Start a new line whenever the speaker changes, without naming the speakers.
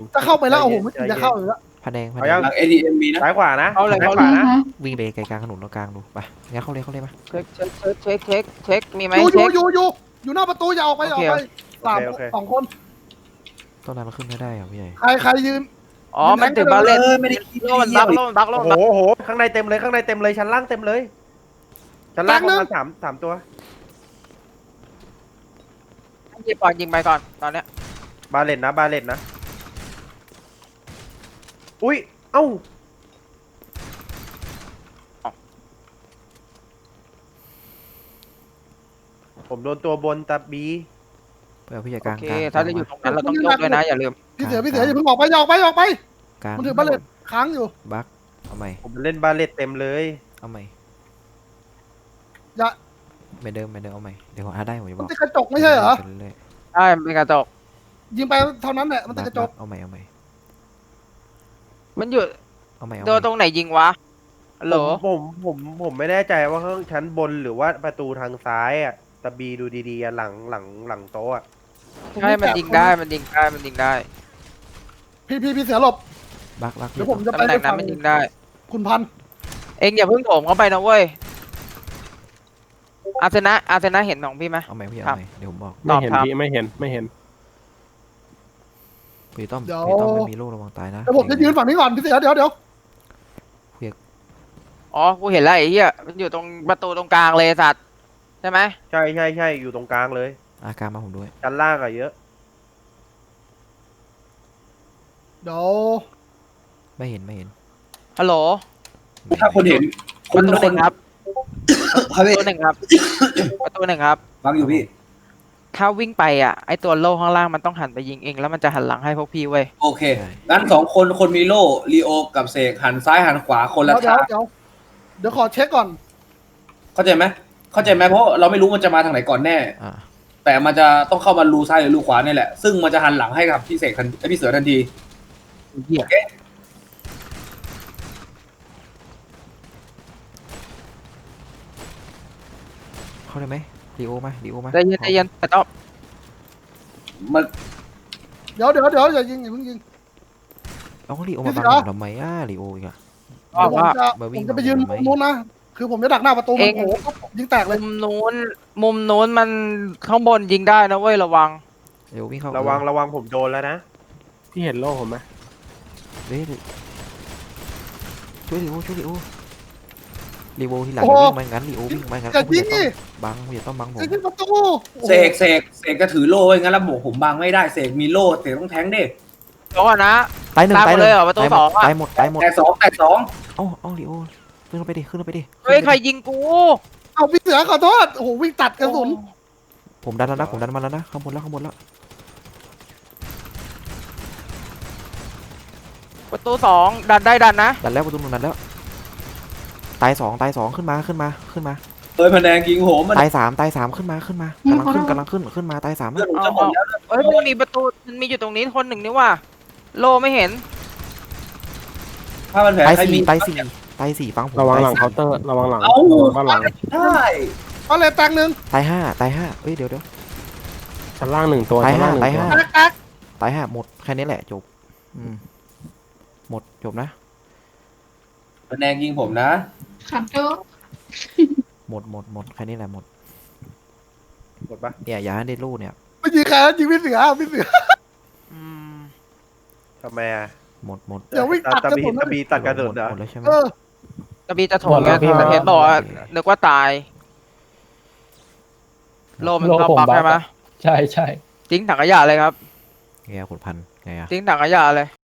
จะเข้าไปแล้วโอ้โหไม่จะเข้าเลยแล้ว
ผ้าแดงผ้า
เอา
แด
ยัง
ง
หลัง ADM มีนะ
ซ้ายขวานะ
เอาเลย
ซ้าย
เอา
ข
เล
วาย นะ
วิ่งไปไกลกลางถนนตรงกลางดูไปงั้นเข้าเลยมา
เช็คมีไหม
อยู่
เช็ค
อยู่หน้าประตูอย่าออกไป
โอ
ออ
เค
กไปสามสองคน
ต้นนั้นเราขึ้นไม่ได้เหรอพี่ใหญ่
ใครยืน
อ๋อแม็กถือบาเลต
ไม่ได้คิด
โล่มันบักโล่มันบักโล่
โอ้
มัน
โห
บัก
โอ้โหข้างในเต็มเลยข้างในเต็มเลยชั้นล่างเต็มเลยชั้นล่างประมาณสามตัว
ยิงก่อนยิงไปก่อนตอนเนี้ย
บาเลตนะบาเลตนะอุ้ยเอ้าผมโดนตัวบนตาบี
ไปเอาพี่ใหญ่ก
โอ
ลาง
เค
กลาง
ถ้าจะอยู่ตรงนั้นเราต้องยกด้วยนะอย่าลืม
พี่เสืออย่าเพิ่งออกไปออกไป
กลาง
มันถือบัลเลตค้างอยู่
บักเอาใหม่
ผมเล่นบาเลตเต็มเลย
เอาใหม่
อย่า
ไม่เดิมเอาใหม่เดี๋ยวผมได้ผมจะบ
มัน
อก
ติดกระจกไม่ใช่เหรอ
เรื่อย
ใช่เป็นกระจก
ยิงไปเท่านั้นแหละ
ๆ
มันติดกระจก
เอาใหม่
มันอยู่
เอาใหม่
โดนตรงไหนยิงวะฮัลโหล
ผมไม่แน่ใจว่าข้างชั้นบนหรือว่าประตูทางซ้ายอ่ะตาบีดูดีๆอะหลังโต๊ะอะ
ใช่มันยิงได้มันยิงได้
พี่เสือหลบ
บัก
เดี๋ยวผมจะไป
ตำแหน่งนั้นมันยิงได้
คุณพัน
เองอย่าเพิ่งโถมเข้าไปนะเว้ยอาร์เซนะเห็นของพี่ไหม
เอาใหม่พี่
ครั
เอา
บ
ใหม่เดี๋ยวผมบอก
ตอบ
ไม่เห็น
ครับ
พี่ไม่เห็น
พี่ต้อมไม่มีลูกระวังตายนะ
เดี๋ยวผมจะยืนฝั่งนี้ก่อนพี่เสือเดี๋ยว
อ๋อกูเห็นแล้วไอ้เหี้ยมันอยู่ตรงประตูตรงกลางเลยสัตว์ใช่ไหม
ใช่อยู่ตรงกลางเลย
อาการมาผมด้วย
ชั้นล่างอะเยอะ
เดี๋ยว
ไม่เห็น
ฮัลโหล
ถ้าคนเห็นค
ประ
น
ตู
ค
ห
น
นึ่งครับ
ครั
ประ
บพี่
ตูหนึ่งครับประตูหนึ่งครับ
ฟังอยู่พี่
ถ้าวิ่งไปอ่ะไอตัวโล่ข้างล่างมันต้องหันไปยิงเองแล้วมันจะหันหลังให้พวกพี่เว้ย
โอเคงั้น2 คนมีโล่ลีโอกับเสกหันซ้ายหันขวาคนละทาง
เดี๋ยวขอเช็คก่อน
เข้าใจไหมเพราะเราไม่รู้มันจะมาทางไหนก่อนแน่
อ่า
แต่มันจะต้องเข้ามารูซ้ายหรือรูขวานี่แหละซึ่งมันจะหันหลังให้กับพี่เสกพี่เสือทันที
เหี้ย
เข้าได้ไหมลีโอมา
ใจเย็นแต่ต้อง
มัน
เดี๋ยวอย่ายิงอย่าเพิ่งยิง
เอาลีโอมาบังผมทำไมลีโออีกอะ
เดี๋ยวผม
มาวิ่ง
จะไปยืน
มาทำไม
มุมนู้นนะคือผมจะดักหน้าประตูมันโอ้โหยิงแตกเลย
มุมนู้นมันข้างบนยิงได้นะเว้ยระวัง
เดี๋ยววิ่งเข้า
ระวังผมโดนแล้วนะ
พี่เห็นโล่ผมไหม
เฮ้ยช่วยลีโอทีหลังวิ่งมางั้นลีโอวิ่งมางั้น
อย่ายิงนี่
บังอย่าต้องบังผม
ยิงที่ประตู
เสกจะถือโล่ไว้งั้นแล้วบอกผมบังไม่ได้เสกมีโล่เสกต้องแทงดิ
เดี๋ยวก่อนนะ
ตายหนึ่ง
ตายหมดเลยเหรอประตูสองอะ
ตายหมด
แต่สอง
เอาลีโอขึ้นไปดิ
เฮ้ยใครยิงกู
เอาพี่เสือขอโทษโอ้โหวิ่งตัดกระสุน
ผมดันแล้วนะมาแล้วนะข้างบนแล้ว
ประตูสองดันได้ดันนะ
ดันแล้วประตูนึงดันแล้วตายสองขึ้นมา
เฮ้ยพนแดงยิงโหมมัน
ตายสามขึ้นมากำลังขึ้นมาตายสาม
เลือดผมจะหมดแล้ว
เอ้ยมันมีประตูมันมีอยู่ตรงนี้คนหนึ่งนี่ว่าโลไม่เห็น
ผ้าพันแผล
ตาย
ใครมี
สี่ฟังผม
ระวังหลังเคาน์เตอร์ระวังหลัง
เอ้า
ระวังด้านหลัง
ได้
เอาเลยแตกหนึ่ง
ตายห้าเฮ้ยเดี๋ยว
ชั้นล่าง1 ตัว
ตาย
ชั้น
ห้า
ล่าง1 ตัว
แตก
ตายห้าหมดแค่นี้แหละจบหมดจบนะ
พนแดงยิงผมนะ
ครับโต
หมดแค่นี้แหละหมด
หมดปะ
เนี่ยอย่าให้ได้ลูกเนี่ย
ไม่ยิงใครยิงพี่เสือ
อืม
ทำไมอะ
หมด
เดี๋ยววิ่งตัดกระสุน
ตาบีตัดกระสุนเหรอ
หมดแล้วใช่ไหม
กระบีจะโถมไงแต่เพชรบอกว่านึกว่าตาย โลมันเข้าปักใช่ไหม
ใช่
ทิ้งถังขยะเลยครับ
ไงขุดพันไงอะ
ทิ้งถังขยะเลย